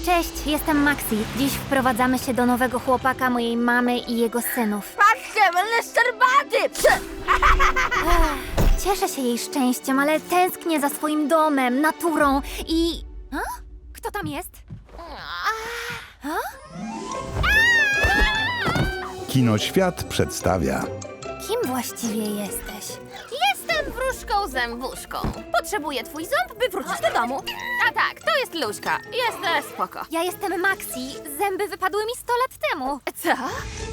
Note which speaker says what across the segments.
Speaker 1: Cześć, jestem Maxi. Dziś wprowadzamy się do nowego chłopaka mojej mamy i jego synów.
Speaker 2: Patrzcie, będę szczerbaty!
Speaker 1: Cieszę się jej szczęściem, ale tęsknię za swoim domem, naturą i... A? Kto tam jest?
Speaker 3: Kinoświat przedstawia
Speaker 1: Kim właściwie jesteś?
Speaker 2: Jestem wróżką zębuszką. Potrzebuję twój ząb, by wrócić do domu. A tak, to jest Luźka. Jest spoko.
Speaker 1: Ja jestem Maxi. Zęby wypadły mi 100 lat temu.
Speaker 2: Co?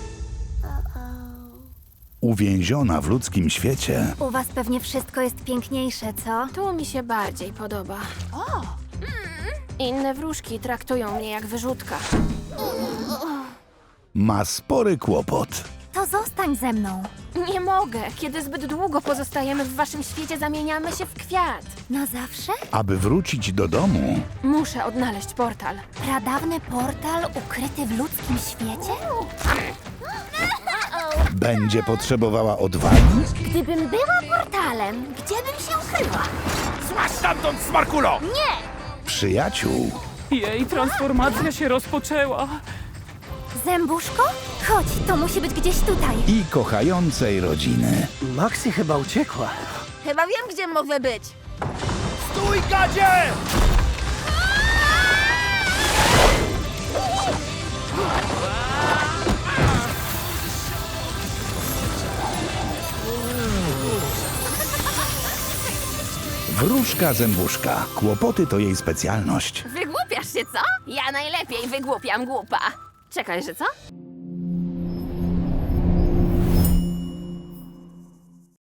Speaker 3: uwięziona w ludzkim świecie.
Speaker 1: U was pewnie wszystko jest piękniejsze, co?
Speaker 2: Tu mi się bardziej podoba. Inne wróżki traktują mnie jak wyrzutka.
Speaker 3: Ma spory kłopot.
Speaker 1: To zostań ze mną.
Speaker 2: Nie mogę. Kiedy zbyt długo pozostajemy w waszym świecie, zamieniamy się w kwiat.
Speaker 1: Na zawsze?
Speaker 3: Aby wrócić do domu,
Speaker 2: Muszę odnaleźć portal.
Speaker 1: Pradawny portal ukryty w ludzkim świecie?
Speaker 3: będzie potrzebowała odwagi,
Speaker 1: Gdybym była portalem, gdzie bym się ukryła?
Speaker 4: Złaź stamtąd, smarkulo!
Speaker 3: przyjaciół
Speaker 5: Jej transformacja się rozpoczęła.
Speaker 1: Zębuszko? Chodź, to musi być gdzieś tutaj.
Speaker 3: i kochającej rodziny.
Speaker 6: Maxi chyba uciekła.
Speaker 2: Chyba wiem, gdzie mogę być.
Speaker 4: Stój, gadzie!
Speaker 3: Wróżka zębuszka. Kłopoty to jej specjalność.
Speaker 2: Wygłupiasz się, co? Ja najlepiej wygłupiam głupa. Czekaj, że co?